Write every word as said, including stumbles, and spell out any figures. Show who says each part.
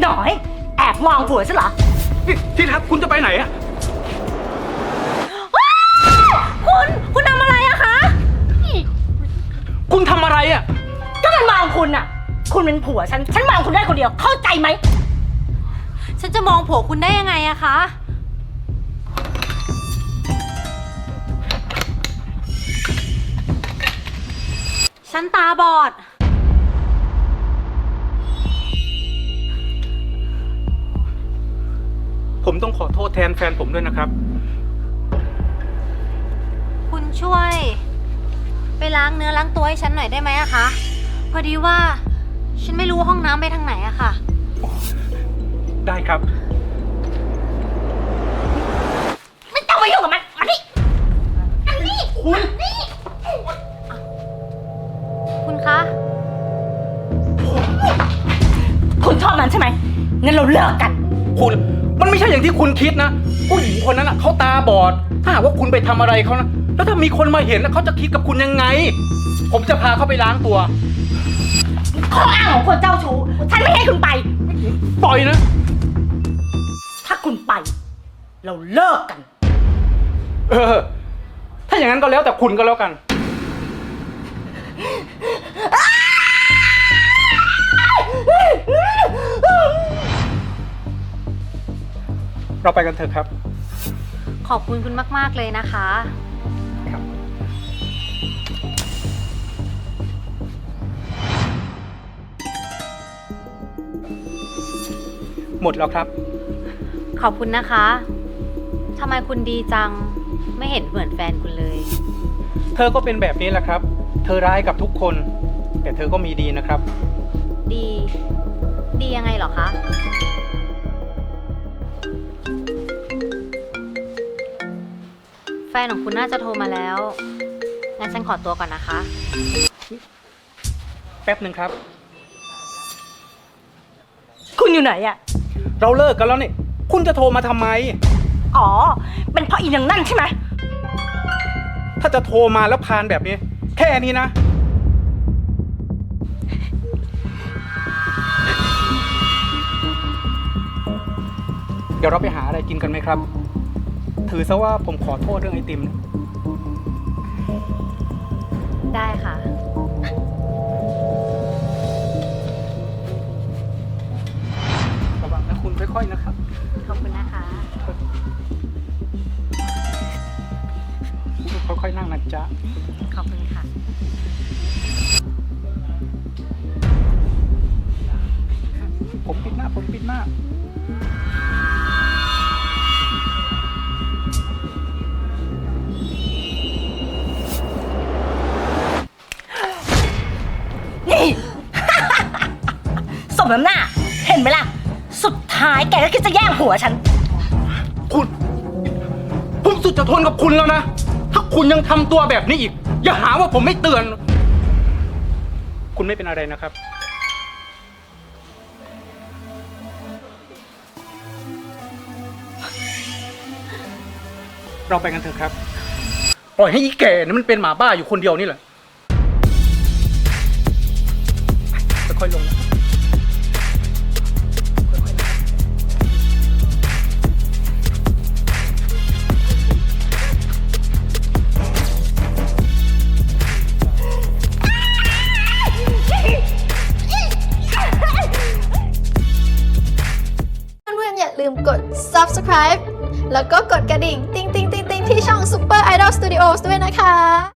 Speaker 1: หน่อยแอบมองผัวฉันเหรอ
Speaker 2: ที่รักคุณจะไปไหนอะ
Speaker 1: คุณคุณทำอะไรอะคะ
Speaker 2: คุณทำอะไรอะ
Speaker 1: ก็มันมองคุณอะคุณเป็นผัวฉันฉันมองคุณได้คนเดียวเข้าใจไหม
Speaker 3: ฉันจะมองผัวคุณได้ยังไงอะคะฉันตาบอด
Speaker 2: ผมต้องขอโทษแทนแฟนผมด้วยนะครับ
Speaker 3: คุณช่วยไปล้างเนื้อล้างตัวให้ฉันหน่อยได้ไหมอะคะพอดีว่าฉันไม่รู้ห้องน้ำไปทางไหนอะค่ะ
Speaker 2: ได้ครับ
Speaker 1: ไม่ต้องมายุ่งกับมันมานี่อันนี้
Speaker 2: คุณ
Speaker 1: นี่
Speaker 3: คุณคะ
Speaker 1: คุณชอบมันใช่ไหมงั้นเราเลิกกัน
Speaker 2: คุณมันไม่ใช่อย่างที่คุณคิดนะผู้หญิงคนนั้นอ่ะเขาตาบอดถ้าหากว่าคุณไปทำอะไรเขานะแล้วถ้ามีคนมาเห็นแล้วเขาจะคิดกับคุณยังไงผมจะพาเขาไปล้างตัว
Speaker 1: ข้ออ้างของคนเจ้าชู้ฉันไม่ให้คุณไป
Speaker 2: ปล่อยนะ
Speaker 1: ถ้าคุณไปเราเลิกกัน
Speaker 2: เออถ้าอย่างนั้นก็แล้วแต่คุณก็แล้วกันเราไปกันเถอะครับ
Speaker 3: ขอบคุณคุณมากๆเลยนะคะ
Speaker 2: ครับหมดแล้วครับ
Speaker 3: ขอบคุณนะคะทำไมคุณดีจังไม่เห็นเหมือนแฟนคุณเลย
Speaker 2: เธอก็เป็นแบบนี้แหละครับเธอร้ายกับทุกคนแต่เธอก็มีดีนะครับ
Speaker 3: ดีดียังไงเหรอคะแฟนของคุณน่าจะโทรมาแล้วงั้นฉันขอตัวก่อนนะคะ
Speaker 2: แป๊บหนึ่งครับ
Speaker 1: คุณอยู่ไหนอะ
Speaker 2: เราเลิกกันแล้วนี่คุณจะโทรมาทำไม
Speaker 1: อ๋อเป็นเพราะอีนางนั่นใช่ไหม
Speaker 2: ถ้าจะโทรมาแล้วพานแบบนี้แค่นี้นะเดี๋ยวเราไปหาอะไรกินกันไหมครับถือซะว่าผมขอโทษเรื่องไอติมนะ
Speaker 3: ได้ค่ะ
Speaker 2: ระวังนะคุณค่อยๆนะครับ
Speaker 3: ขอบคุณนะคะ
Speaker 2: ค่อยๆนั่งนะจ๊ะ
Speaker 3: ขอบคุณค่ะ
Speaker 2: ผมปิดหน้าผมปิดหน้า
Speaker 1: นี่ สมน้ำหน้าเห็นไหมล่ะสุดท้ายแกก็คิดจะแย่งผัวฉัน
Speaker 2: คุณผมสุดจะทนกับคุณแล้วนะถ้าคุณยังทำตัวแบบนี้อีกอย่าหาว่าผมไม่เตือนคุณไม่เป็นอะไรนะครับเราไปกันเถอะครับปล่อยให้อีแก่นี่มันเป็นหมาบ้าอยู่คนเดียวนี่แหละค่อยๆลงนะ
Speaker 4: เพื่อนๆอย่าลืมกด ซับสไครบ์ แล้วก็กดกระดิ่ง ติ๊งติ๊งติ๊งติ๊งที่ช่อง Super Idol Studios ด้วยนะคะ